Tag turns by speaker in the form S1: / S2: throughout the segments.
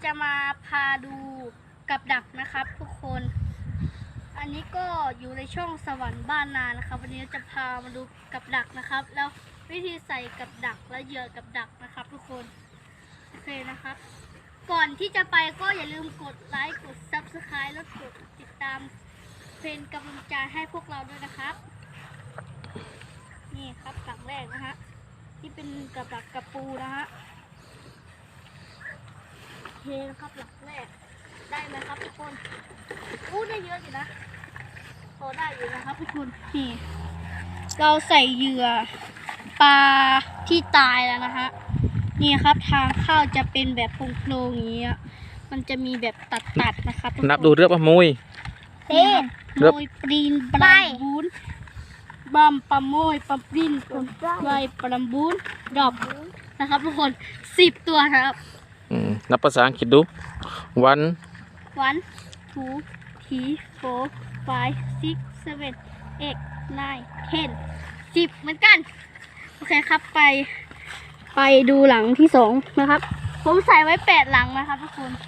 S1: จะมาพาดูกับดักนะครับทุกคนอันนี้ก็อยู่ในช่องสวรรค์บ้านนานะครับวันนี้จะพามาดูกับดักนะครับแล้ววิธีใส่กับดักและเหยื่อกับดักนะครับทุกคนโอเคนะครับก่อนที่จะไปก็อย่าลืมกดไลค์กด Subscribe และกดติดตามเป็นกำลังใจให้พวกเราด้วยนะครับนี่ครับหลักแรกนะฮะที่เป็นกับดักกระปูนะฮะโอเคนะครับหลักแรกได้ไหมครับทุกคนได้เยอะอยู่นะพอได้อยู่นะครับทุกคนนี่เราใส่เหยื่อปลาที่ตายแล้วนะฮะนี่ครับทางเข้าจะเป็นแบบโพรงๆอย่างนี้มันจะมีแบบตัดๆนะครับ
S2: นับดูเรือปะมุย
S1: เต้นโมยปรีนปลาบูนบัมปะโมยปะปรีนปลายปลาบูนดอกนะครับทุกคน10 ตัวครับ
S2: นับภาษาอังกฤษดู one
S1: 2 3 4 5 6 7 8 9 10 10เหมือนกันโอเคครับไปดูหลังที่2นะครับผมใส่ไว้8หลังนะครับทุกคน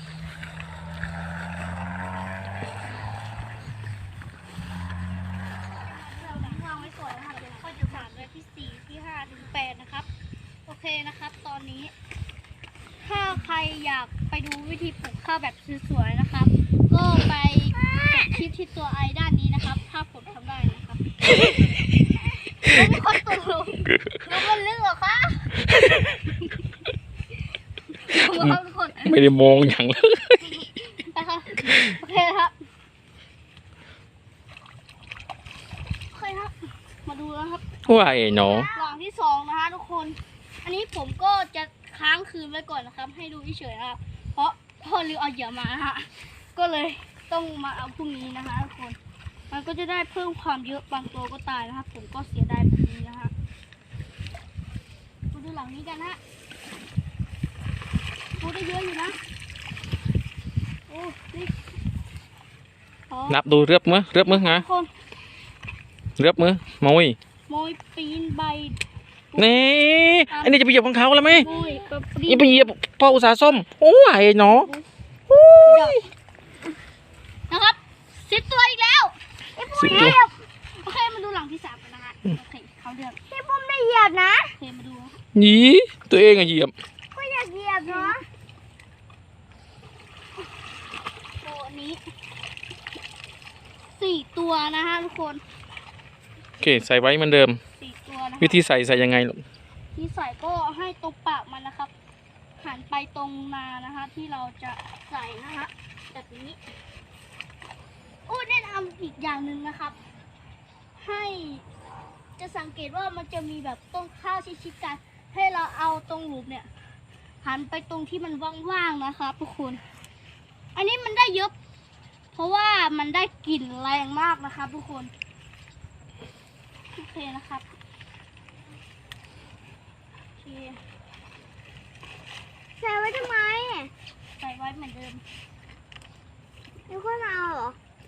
S1: นะครับโอเคนะครับตอนนี้ถ้าใครอยากไปดูวิธีปลูกข้าวแบบสวยๆนะครับก็ไปคลิปที่ตัวไอด้านนี้นะครับถ้าผมทำได้นะครับไม่ค่อยตกลงแล้วมันลึกเหรอคะ
S2: ไม่ได้มองอย่างเลย
S1: นะครับโอเคครับโอเคครับมาดูแล้วครับ
S2: ว่าไอ้หนอ
S1: หลังที่2นะคะทุกคนอันนี้ผมก็จะค้างคืนไว้ก่อนนะครับให้ดูเฉยๆนะครับเพราะพ่อลืมเอาเหยื่อมาฮะก็เลยต้องมาเอาพรุ่งนี้นะคะทุกคนมันก็จะได้เพิ่มความเยอะบางตัวก็ตายนะครับผมก็เสียดายแบบนี้นะฮะมาดูหลังนี้กันฮะโอ้ได้เยอะอยู่นะโอ้นี่
S2: นับดูเรือบมือไงเรือบมือมุย
S1: โมยปีนใบ
S2: นี่อันนี้จะไปเหยียบของเขาแล้วไหม
S1: นี่
S2: ไปเหยียบพ่ออุตสาหส้มโอ้ยหนอ
S1: นะครับ10 ตัวอีกแล้ว
S2: 10 ตัว
S1: โอเคมาดูหลังที่3กันนะคะโอเคเขาเดือดที่ผมได้เหยียบนะโอเคมาดู
S2: นี่ตัวเองอะเหยียบ
S1: ก็อยากเหยียบเนาะตัวนี้4 ตัวนะฮะทุกคน
S2: โอเคใส่ไว้เหมือนเดิม
S1: 4 ตัวนะ
S2: วิธีใส่ยังไงลูก
S1: ที่ใส่ก็ให้ตรงปากมันนะครับหันไปตรงนานะคะที่เราจะใส่นะคะแบบนี้แนะนำอีกอย่างหนึ่งนะครับให้จะสังเกตว่ามันจะมีแบบต้นข้าวชิดๆกันให้เราเอาตรงหลุมเนี่ยหันไปตรงที่มันว่างๆนะครับทุกคนอันนี้มันได้เยอะเพราะว่ามันได้กลิ่นแรงมากนะครับทุกคนโอเคนะครับใส่ไว้ทำไมใส่ไว้เหมือนเดิมแล้วก็เอาเหรอ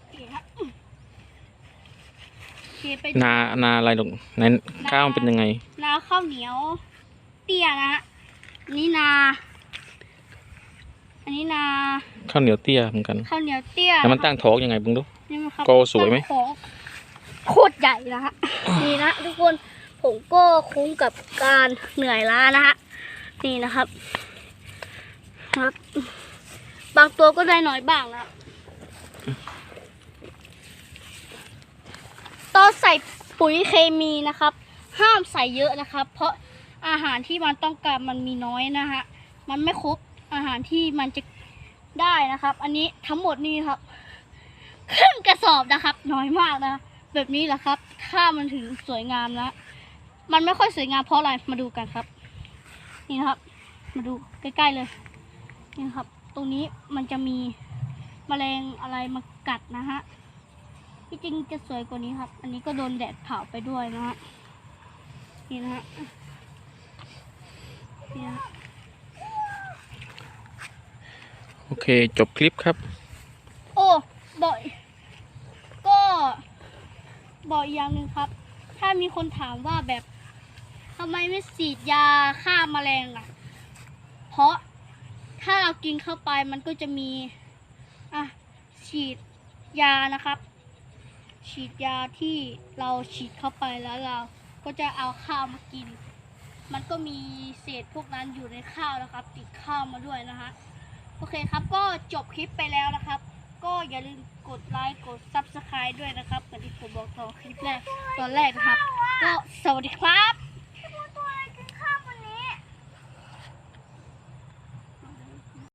S2: นาอะไรลูกนั้นข้าวมันเป็นยังไง
S1: นาข้าวเหนียวเตี้ยนะฮะนี่นาอันนี้นา
S2: ข้าวเหนียวเตี้ยเหมือนกัน
S1: ข้าวเหนียวเตี้ย
S2: แล้วมันตั้งท้องยังไงบึงดูโกสวยไหม
S1: โคตรใหญ่นะฮะนี่นะทุกคนผมก็คุ้มกับการเหนื่อยล้านะฮะนี่นะครับบางตัวก็ได้น้อยบ้างนะตอนใส่ปุ๋ยเคมีนะครับห้ามใส่เยอะนะครับเพราะอาหารที่มันต้องการมันมีน้อยนะฮะมันไม่ครบอาหารที่มันจะได้นะครับอันนี้ทั้งหมดนี่ครับครึ่งกระสอบนะครับน้อยมากนะแบบนี้แหละครับถ้ามันถึงสวยงามนะมันไม่ค่อยสวยงามเพราะอะไรมาดูกันครับนี่นะครับมาดูใกล้ๆเลยนี่ครับตรงนี้มันจะมีแมลงอะไรมากัดนะฮะที่จริงจะสวยกว่านี้ครับอันนี้ก็โดนแดดเผาไปด้วยนะฮะนี่นะฮะ
S2: โอเคจบคลิปครับ
S1: บอกอย่างหนึ่งครับถ้ามีคนถามว่าแบบทำไมไม่ฉีดยาฆ่าแมลงล่ะเพราะถ้าเรากินเข้าไปมันก็จะมีฉีดยานะครับ ฉีดยาที่เราฉีดเข้าไปแล้วเราก็จะเอาข้าวมากิน มันก็มีเศษพวกนั้นอยู่ในข้าวนะครับ ติดข้าวมาด้วยนะฮะโอเคครับก็จบคลิปไปแล้วนะครับ ก็อย่าลืมกดไลค์กด Subscribe ด้วยนะครับเหมือนที่ผมบอกตอนคลิปแรกตอนแรกนะครับ ก็สวัสดีครับ